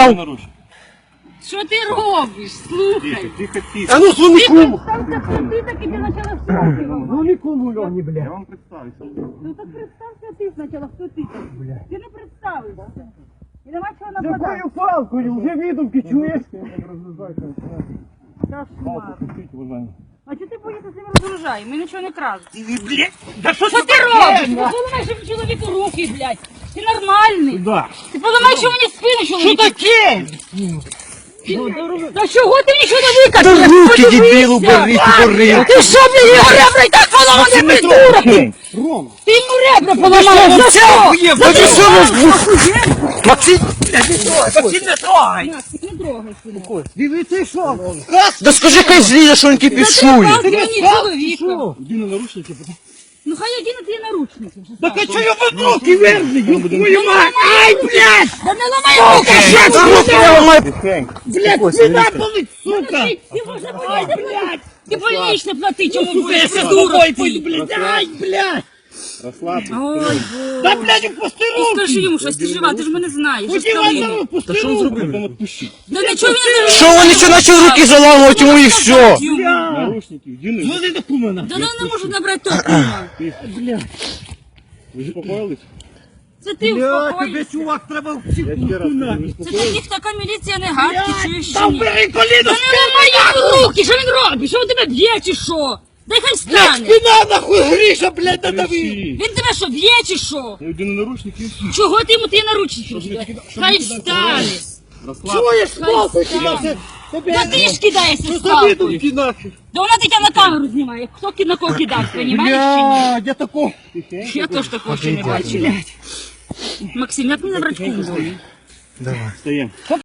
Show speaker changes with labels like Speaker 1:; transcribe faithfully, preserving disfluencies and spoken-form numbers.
Speaker 1: став.
Speaker 2: Що ти робиш? Слухай.
Speaker 1: Тихо, тихо.
Speaker 3: А ну дзвони кому.
Speaker 2: Представся, ти так і ти почала всякий.
Speaker 3: Дзвони кому, Льоні,
Speaker 1: Я
Speaker 3: бля.
Speaker 1: вам представився.
Speaker 2: Ну так представся ти спочатку, хто ти так? Ти не представився. І нема чого
Speaker 3: Якою
Speaker 2: нападати.
Speaker 3: палкою? Вже відомки чуєш?
Speaker 2: Кошмар.
Speaker 1: Пустіть, уважаємо.
Speaker 2: А чого ти боїшся з ними розгружаємо? Ми нічого не крадемо. Що ти робиш? Ти поламаєш йому чоловіку руки, блядь. Ти нормальний.
Speaker 3: Да.
Speaker 2: Ти поламаєш йому мені спину, чоловіку.
Speaker 3: Що таке?
Speaker 2: Та чого ти нічого не викажеш?
Speaker 3: Та руки, дебілу, бери, бери.
Speaker 2: Ти що, блядь, його ребра і так поламані, придурок?
Speaker 3: Рома.
Speaker 2: Ти йому ребра поламаєш, за що?
Speaker 3: Та ти що розбух? Максим,
Speaker 2: Максим, не трогай. Не трогай сюди.
Speaker 3: дивіться, що? Да скажи, хай зліє, що він кипішує.
Speaker 2: Ти мені чоловіка.
Speaker 1: Іди на наручники, потім.
Speaker 2: Ну хай один на ті наручники.
Speaker 3: Так а чого я в руки верни? Твою мать! Ай, блядь!
Speaker 2: Да не ламай руки!
Speaker 1: Тихенько.
Speaker 3: Блядь, спина болить, сука!
Speaker 2: Ти можна боїться, блядь! Ти больничне плати, чому
Speaker 3: Я
Speaker 2: будеш,
Speaker 3: з
Speaker 2: придурок
Speaker 3: тобою
Speaker 2: ти!
Speaker 3: пойду, блядь, ай, блядь!
Speaker 1: Розслабся.
Speaker 2: Ой,
Speaker 3: Да,
Speaker 2: Боже.
Speaker 3: блядь, опусти
Speaker 2: Ти
Speaker 3: руки!
Speaker 2: скажи йому щось, ти жива, ти ж мене знаєш.
Speaker 3: Ході
Speaker 2: що
Speaker 3: Іван,
Speaker 2: скажи.
Speaker 3: опусти руки!
Speaker 1: Потім відпущіть.
Speaker 2: Да нічого він не
Speaker 3: Що вони що почали руки заламувати йому і все?
Speaker 1: Наручники, іди на.
Speaker 3: Дзвони до кумена!
Speaker 2: Да ну не можу набрати токума.
Speaker 3: Блядь,
Speaker 1: Ви заспокоїлись?
Speaker 2: Це ти
Speaker 3: блядь, тебе,
Speaker 2: успокойся.
Speaker 3: чувак, треба
Speaker 1: Я ще раз
Speaker 3: вчити
Speaker 1: кажу, ви
Speaker 2: Це
Speaker 1: заспокоїлись?
Speaker 2: таких така міліція не гадки, чуєш чи
Speaker 3: Там
Speaker 2: ні?
Speaker 3: бери
Speaker 2: Та
Speaker 3: коліно,
Speaker 2: не ламай йому руки, що він робить? Що він тебе б'є чи що? Дай хай встане.
Speaker 3: спина нахуй, Гриша, блядь, надави!
Speaker 1: Кричи.
Speaker 2: Він тебе що, б'є чи що?
Speaker 1: Я йду на наручники і всі.
Speaker 2: Чого ти йому ті наручники вдягаєш? Хай встане.
Speaker 1: Розслабся.
Speaker 3: Чуєш,
Speaker 2: Хай
Speaker 3: палку
Speaker 2: встане.
Speaker 3: тебе?
Speaker 2: Да ти ж кидаєшся з
Speaker 3: Що
Speaker 2: палкою.
Speaker 3: відомки нахуй?
Speaker 2: Да вона тебе на камеру знімає. Хто ки- на кого кидав, понімаєш чи ні?
Speaker 3: Блядь, я тако...
Speaker 2: Я теж такого ще не бачила. Максим, як мені набрати кузов?
Speaker 1: Встаємо.